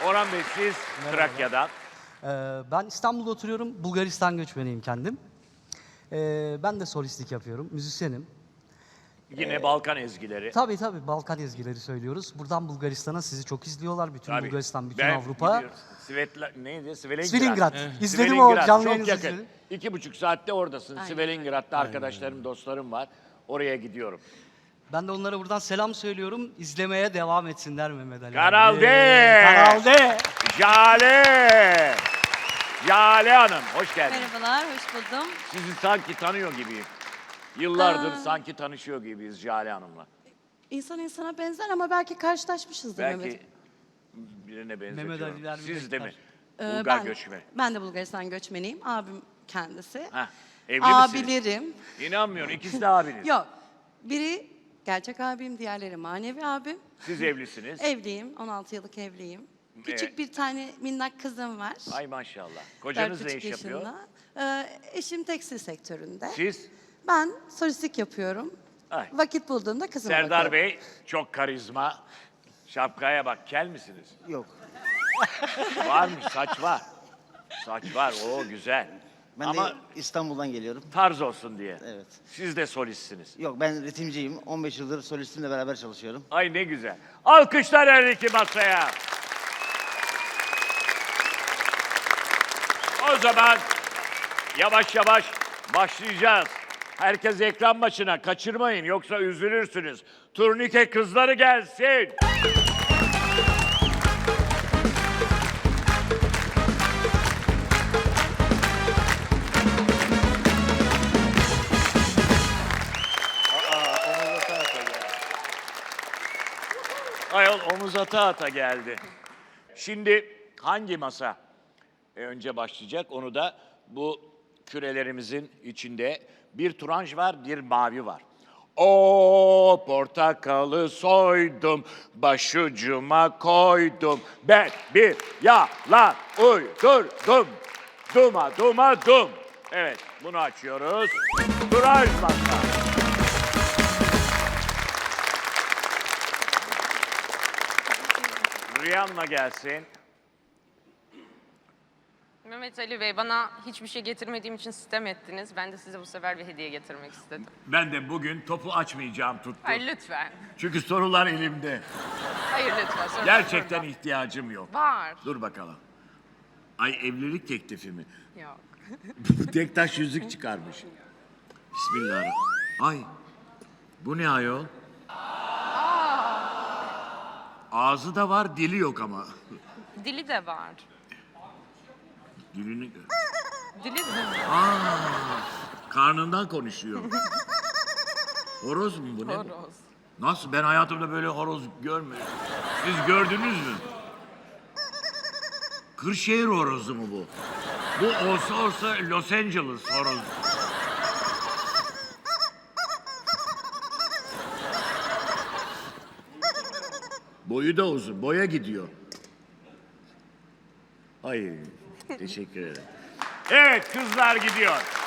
Orhan Bey siz Trakya'dan. Ben İstanbul'da oturuyorum. Bulgaristan göçmeniyim kendim. Ben de solistlik yapıyorum. Müzisyenim. Yine Balkan ezgileri. Tabii Balkan ezgileri söylüyoruz. Buradan Bulgaristan'a sizi çok izliyorlar. Bütün Bulgaristan, bütün Avrupa. Gidiyorum. Neydi? Svilengrad. İzledim o canlı çok yayını yakın. izledim. 2,5 saatte oradasın. Svilingrad'da arkadaşlarım, dostlarım var. Oraya gidiyorum. Ben de onlara buradan selam söylüyorum. İzlemeye devam etsinler Mehmet Ali. Kanal abi. D! Kanal D! Jale! Jale Hanım, hoş geldiniz. Merhabalar, hoş buldum. Sizi sanki tanıyor gibiyim. Yıllardır sanki tanışıyor gibiyiz Jale Hanım'la. İnsan insana benzer ama belki karşılaşmışızdır Belki Mehmet. birine Mehmet benzetiyorum. Ali'ler Siz de mi? birlikler. Bulgar göçmeni. Ben de Bulgaristan göçmeniyim. Abim kendisi. Heh, evli misiniz? Abilerim. İnanmıyorum, ikisi de abiniz. Yok, biri gerçek abim, diğerleri manevi abim. Siz evlisiniz. Evliyim, 16 yıllık evliyim. Küçük Evet. bir tane minnak kızım var. Ay maşallah. Kocanız ne 4,5 iş yapıyor? yaşında. Eşim tekstil sektöründe. Siz? Ben solistlik yapıyorum. Ay. Vakit bulduğumda kızıma Serdar bakıyorum. Bey çok karizma. Şapkaya bak, kel misiniz? Yok. Varmış, saç var. Saç var, o güzel. Ben Ama de İstanbul'dan geliyorum. tarz olsun diye. Evet. Siz de solistsiniz. Yok, ben ritimciyim. 15 yıldır solistimle beraber çalışıyorum. Ay ne güzel. Alkışlar her iki masaya. O zaman yavaş yavaş başlayacağız. Herkes ekran başına, kaçırmayın yoksa üzülürsünüz. Turnike kızları gelsin. Ayol omuz ata ata geldi. Şimdi hangi masa önce başlayacak? Onu da bu kürelerimizin içinde bir turanj var, bir mavi var. O portakalı soydum, başucuma koydum. Ben bir yalan uydurdum. Duma duma dum. Evet, bunu açıyoruz. Turanj masa. Rihanna gelsin. Mehmet Ali Bey, bana hiçbir şey getirmediğim için sitem ettiniz. Ben de size bu sefer bir hediye getirmek istedim. Ben de bugün topu açmayacağım tuttu. Hayır lütfen. Çünkü sorular elimde. Hayır lütfen. Sonra Gerçekten sonra. ihtiyacım yok. Var. Dur bakalım. Ay evlilik teklifi mi? Yok. Tek taş yüzük çıkarmış. Bismillahirrahmanirrahim. Ay. Bu ne ayol? Ağzı da var, dili yok ama. Dili de var. Dilini... Dili de Karnından konuşuyor. Horoz mu bu ne? horoz. Nasıl? Ben hayatımda böyle horoz görmedim. Siz gördünüz mü? Kırşehir horozu mu bu? Bu olsa Los Angeles horozu. Boyu da uzun, boya gidiyor. Ay, teşekkür ederim. Evet, kızlar gidiyor.